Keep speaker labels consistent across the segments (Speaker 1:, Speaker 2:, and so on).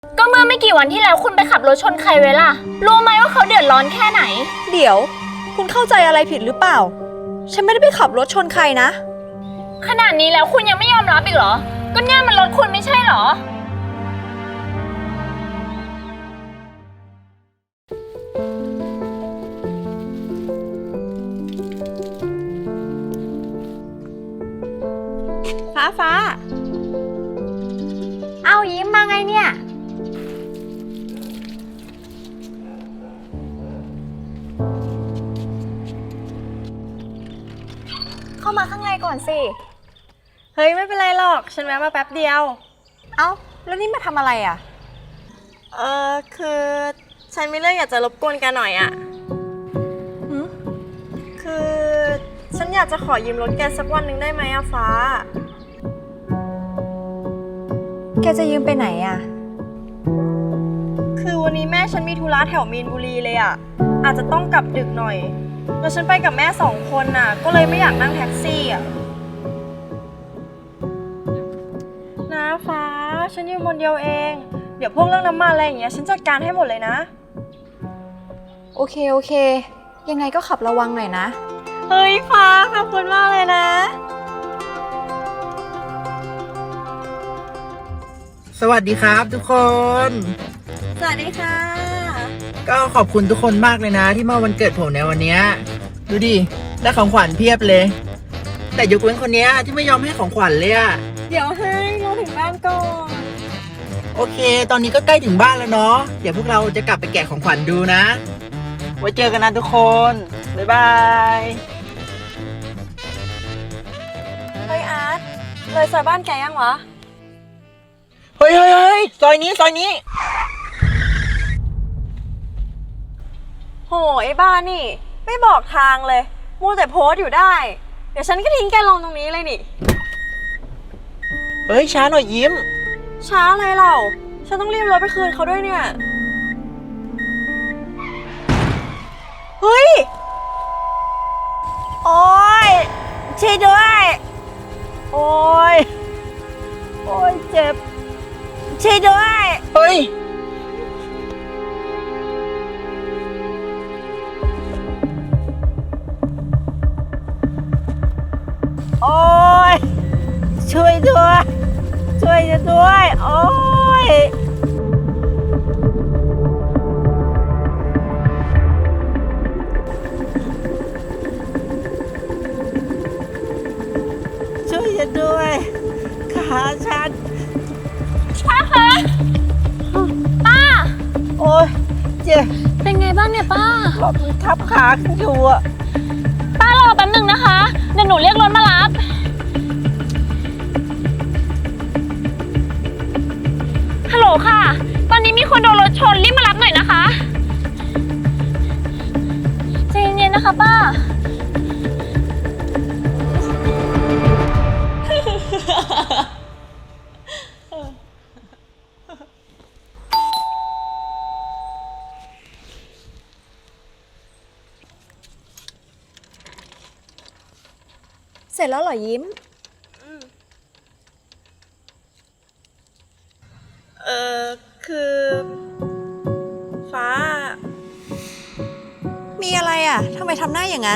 Speaker 1: ก็เมื่อไม่กี่วันที่แล้วคุณไปขับรถชนใครไว้ล่ะรู้ไหมว่าเขาเดือดร้อนแค่ไหน
Speaker 2: เดี๋ยวคุณเข้าใจอะไรผิดหรือเปล่าฉันไม่ได้ไปขับรถชนใครนะ
Speaker 1: ขนาดนี้แล้วคุณยังไม่ยอมรับอีกเหรอก็เนี่ยมันรถคุณไม่ใช่เหรอ
Speaker 2: ฟ้า
Speaker 1: เอายิ้มมาไงเนี่ยเข้ามาข้างในก่อนสิ
Speaker 2: เฮ้ยไม่เป็นไรหรอกฉันแวะมาแป๊บเดียว
Speaker 1: เอ้าแล้วนี่มาทำอะไรอ่ะ
Speaker 2: คือฉันมีเรื่องอยากจะรบกวนแกหน่อยอ่ะคือฉันอยากจะขอยืมรถแกสักวันหนึ่งได้ไหมอะฟ้า
Speaker 1: แกจะยืมไปไหนอ่ะ
Speaker 2: คือวันนี้แม่ฉันมีธุระแถวมีนบุรีเลยอ่ะอาจจะต้องกลับดึกหน่อยแล้วฉันไปกับแม่2 คนน่ะก็เลยไม่อยากนั่งแท็กซี่อ่ะนะฟ้าฉันยืมคนเดียวเองเดี๋ยวพวกเรื่องน้ำมันอะไรอย่างเงี้ยฉันจัดการให้หมดเลยนะ
Speaker 1: โอเคยังไงก็ขับระวังหน่อยนะ
Speaker 2: เฮ้ยฟ้าขอบคุณมากเลยนะ
Speaker 3: สวัสดีครับทุกคน
Speaker 2: สวัสดีค่ะ
Speaker 3: ก็ขอบคุณทุกคนมากเลยนะที่มาวันเกิดผมในวันนี้ดูดิได้ของขวัญเพียบเลยแต่ยกเว้นคนนี้ที่ไม่ยอมให้ของขวัญเลยอะ
Speaker 2: เดี๋ยวให้เราถึงบ้านก่อน
Speaker 3: โอเคตอนนี้ก็ใกล้ถึงบ้านแล้วเนาะเดี๋ยวพวกเราจะกลับไปแกะของขวัญดูนะไว้เจอกันนะทุกคนบ๊ายบาย
Speaker 2: เฮ้ยอาร์ตเลยซอยบ้านแกยังวะ
Speaker 3: เฮ้ยซอยนี้
Speaker 2: โหไอ้บ้านี่ไม่บอกทางเลยมัวแต่โพสต์อยู่ได้เดี๋ยวฉันก็ทิ้งแกลงตรงนี้เลยนี่
Speaker 3: เฮ้ยช้าหน่อยยิ้ม
Speaker 2: ช้าอะไรเราฉันต้องรีบรถไปคืนเขาด้วยเนี่ยเฮ้ยโอ๊ยช่วยด้วยโอ๊ยเจ็บช่วยด้วย
Speaker 3: เฮ้ย
Speaker 2: โอ๊ยช่วยด้วยโอ๊ยช่วยฉันด้วยขาฉัน
Speaker 1: ป้าคะป้า
Speaker 2: โอ๊ยเจ็บ
Speaker 1: เป็นไงบ้างเนี่ยป้าร
Speaker 2: ถมันทับขาขึ้นอยู่อะ
Speaker 1: ป้ารอแป๊บหนึ่งนะคะเดี๋ยวหนูเรียกรถมารับฮัลโหลค่ะตอนนี้มีคนโดนรถชนรีบมารับหน่อยนะคะใจเย็นๆนะคะป้า
Speaker 2: เสร็จแล้วเหรอยิ้มคือฟ้ามีอะไรอ่ะทำไมทำหน้าอย่างนั้น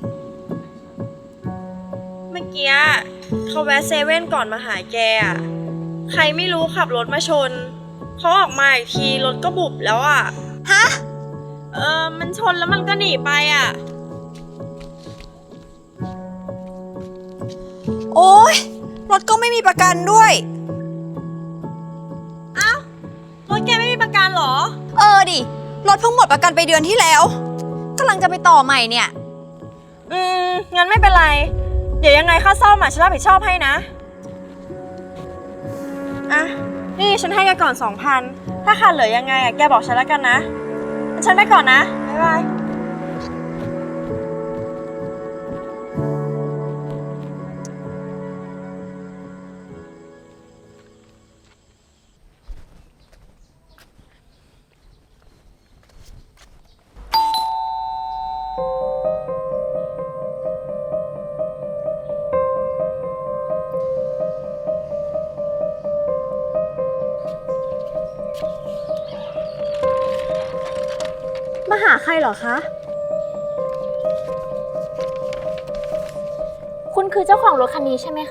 Speaker 2: เมื่อกี้เขาแวะเซเว่นก่อนมาหาแกอ่ะใครไม่รู้ขับรถมาชนเขาออกมาอีกทีรถก็บุบแล้วอ่ะฮะมันชนแล้วมันก็หนีไปอ่ะโอ๊ยรถก็ไม่มีประกันด้วยอ้าวรถแกไม่มีประกันเหรอ
Speaker 1: ดิรถเพิ่งหมดประกันไปเดือนที่แล้วกำลังจะไปต่อใหม่เนี่ย
Speaker 2: งั้นไม่เป็นไรเดี๋ยวยังไงค่าซ่อมฉันรับผิดชอบให้นะอ่ะนี่ฉันให้แกก่อน 2,000ถ้าขาดเหลือยังไงแกบอกฉันแล้วกันนะฉันไปก่อนนะบ๊ายบาย
Speaker 1: มาหาใครเหรอคะ
Speaker 4: คุณคือเจ้าของรถคันนี้ใช่ไหมคะ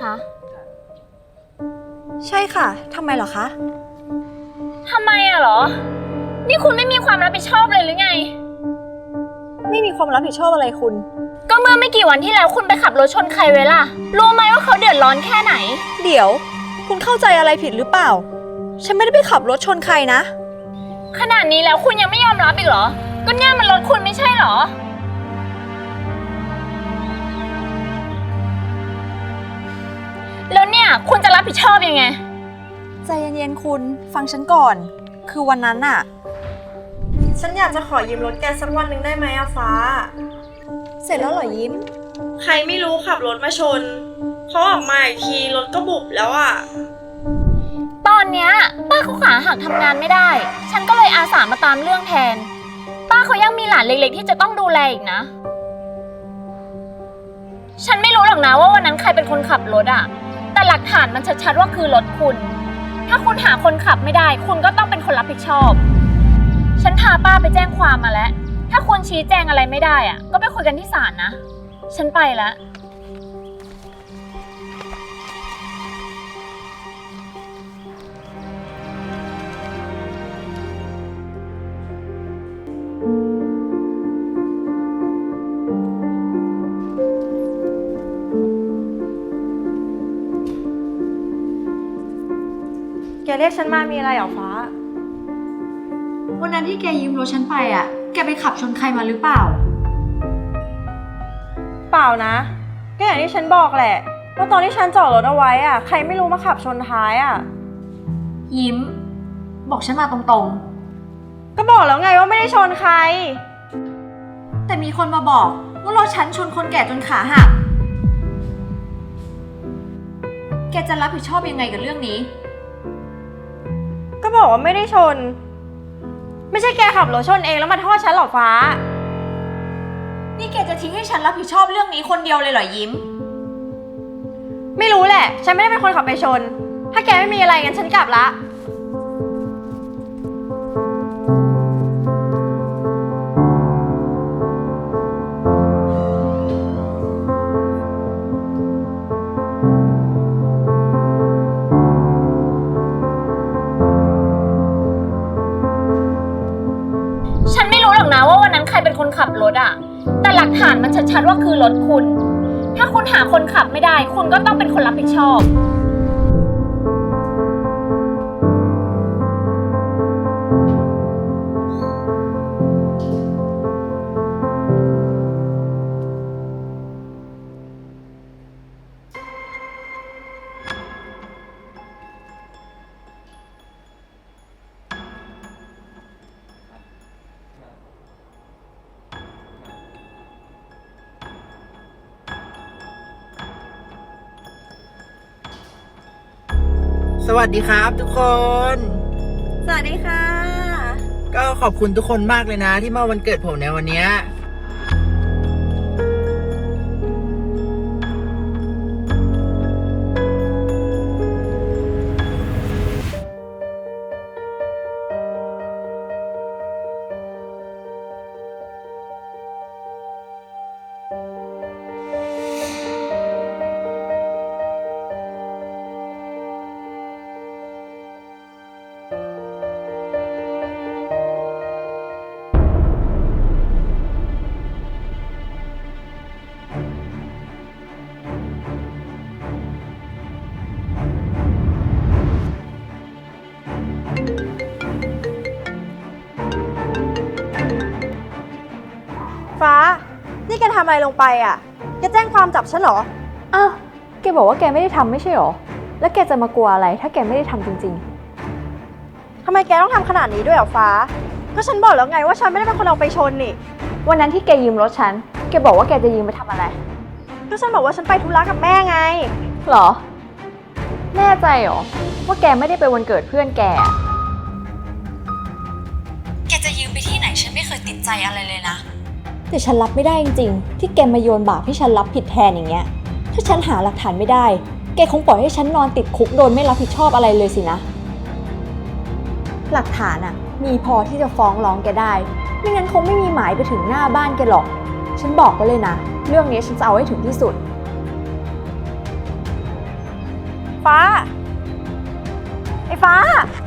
Speaker 1: ใช่ค่ะ ทำไมเหรอคะ
Speaker 4: ทำไมอะเหรอ นี่คุณไม่มีความรับผิดชอบเลยหรือไง
Speaker 1: ไม่มีความรับผิดชอบอะไรคุณ
Speaker 4: ก็เมื่อไม่กี่วันที่แล้วคุณไปขับรถชนใครไว้ล่ะ รู้ไหมว่าเขาเดือดร้อนแค่ไหน
Speaker 1: เดี๋ยว คุณเข้าใจอะไรผิดหรือเปล่า ฉันไม่ได้ไปขับรถชนใครนะ
Speaker 4: ขนาดนี้แล้วคุณยังไม่ยอมรับอีกเหรอ ก็เนี่ยมันรถคุณไม่ใช่เหรอ แล้วเนี่ยคุณจะรับผิดชอบยังไง
Speaker 1: ใจเย็นๆคุณ ฟังฉันก่อน คือวันนั้นน่ะ
Speaker 2: ฉันอยากจะขอยืมรถแกสักวันหนึ่งได้ไหมอะฟ้า
Speaker 1: เสร็จแล้วเหรอยิ้ม
Speaker 2: ใครไม่รู้ขับรถมาชนเขาออกมาอีกทีรถก็บุบแล้วอะ
Speaker 4: ตอนเนี้ยป้าเขาขาหักทำงานไม่ได้ ฉันก็เลยอาสามาตามเรื่องแทน ป้าเขายังมีหลานเล็กๆที่จะต้องดูแลอีกนะ ฉันไม่รู้หรอกนะว่าวันนั้นใครเป็นคนขับรถอะแต่หลักฐานมันชัดๆว่าคือรถคุณ ถ้าคุณหาคนขับไม่ได้ คุณก็ต้องเป็นคนรับผิดชอบ ฉันพาป้าไปแจ้งความมาแล้ว ถ้าคุณชี้แจงอะไรไม่ได้อะก็ไปคุยกันที่ศาลนะ ฉันไปแล้ว
Speaker 2: แกเรียกฉันมามีอะไรเหรอฟ้า
Speaker 1: วันนั้นที่แกยืมรถฉันไปอ่ะ แกไปขับชนใครมาหรือเปล่า
Speaker 2: เปล่านะ ก็อย่างที่ฉันบอกแหละว่าตอนที่ฉันจอดรถเอาไว้อะใครไม่รู้มาขับชนท้ายอะ
Speaker 1: ยิ้ม บอกฉันมาตรง
Speaker 2: ก็บอกแล้วไงว่าไม่ได้ชนใคร
Speaker 1: ๆ แต่มีคนมาบอกว่ารถฉันชนคนแก่จนขาหัก แกจะรับผิดชอบยังไงกับเรื่องนี้
Speaker 2: ก็บอกว่าไม่ได้ชน ไม่ใช่แกขับรถชนเองแล้วมาโทษฉันหรอฟ้า
Speaker 1: นี่แกจะทิ้งให้ฉันรับผิดชอบเรื่องนี้คนเดียวเลยเหรอยิ้ม
Speaker 2: ไม่รู้แหละ ฉันไม่ได้เป็นคนขับไปชน ถ้าแกไม่มีอะไรงั้นฉันกลับละ
Speaker 4: ฉันไม่รู้หรอกนะว่าวันนั้นใครเป็นคนขับรถอะแต่หลักฐานมันชัดๆว่าคือรถคุณ ถ้าคุณหาคนขับไม่ได้ คุณก็ต้องเป็นคนรับผิดชอบ
Speaker 3: สวัสดีครับทุกคน
Speaker 2: สวัสดีค่ะ
Speaker 3: ก็ขอบคุณทุกคนมากเลยนะที่มาวันเกิดผมในวันเนี้ย
Speaker 2: ฟ้า นี่แกทำอะไรลงไปอ่ะ แกแจ้งความจับฉันเหรอ
Speaker 5: อ้าว แกบอกว่าแกไม่ได้ทำไม่ใช่หรอ แล้วแกจะมากลัวอะไรถ้าแกไม่ได้ทำจริง
Speaker 2: ทำไมแกต้องทำขนาดนี้ด้วยเหรอฟ้า ก็ฉันบอกแล้วไงว่าฉันไม่ได้เป็นคนเอาไปชนนี่
Speaker 5: ๆ วันนั้นที่แกยืมรถฉัน แกบอกว่าแกจะยืมไปทำอะไร
Speaker 2: ก็ฉันบอกว่าฉันไปธุระกับแม่ไง
Speaker 5: หรอ แน่ใจหรอ ว่าแกไม่ได้ไปวันเกิดเพื่อนแก
Speaker 1: แกจะยืมไปที่ไหนฉันไม่เคยติดใจอะไรเลยนะ แต่ฉันรับไม่ได้จริงๆ ที่แกมาโยนบาปให้ฉันรับผิดแทนอย่างเงี้ย ถ้าฉันหาหลักฐานไม่ได้ แกคงปล่อยให้ฉันนอนติดคุกโดนไม่รับผิดชอบอะไรเลยสินะ
Speaker 5: หลักฐานอะมีพอที่จะฟ้องร้องแกได้ ไม่งั้นคงไม่มีหมายไปถึงหน้าบ้านแกหรอก ฉันบอกไว้เลยนะ เรื่องนี้ฉันจะเอาให้ถึงที่สุด
Speaker 2: ฟ้า
Speaker 5: ไอ้ฟ้า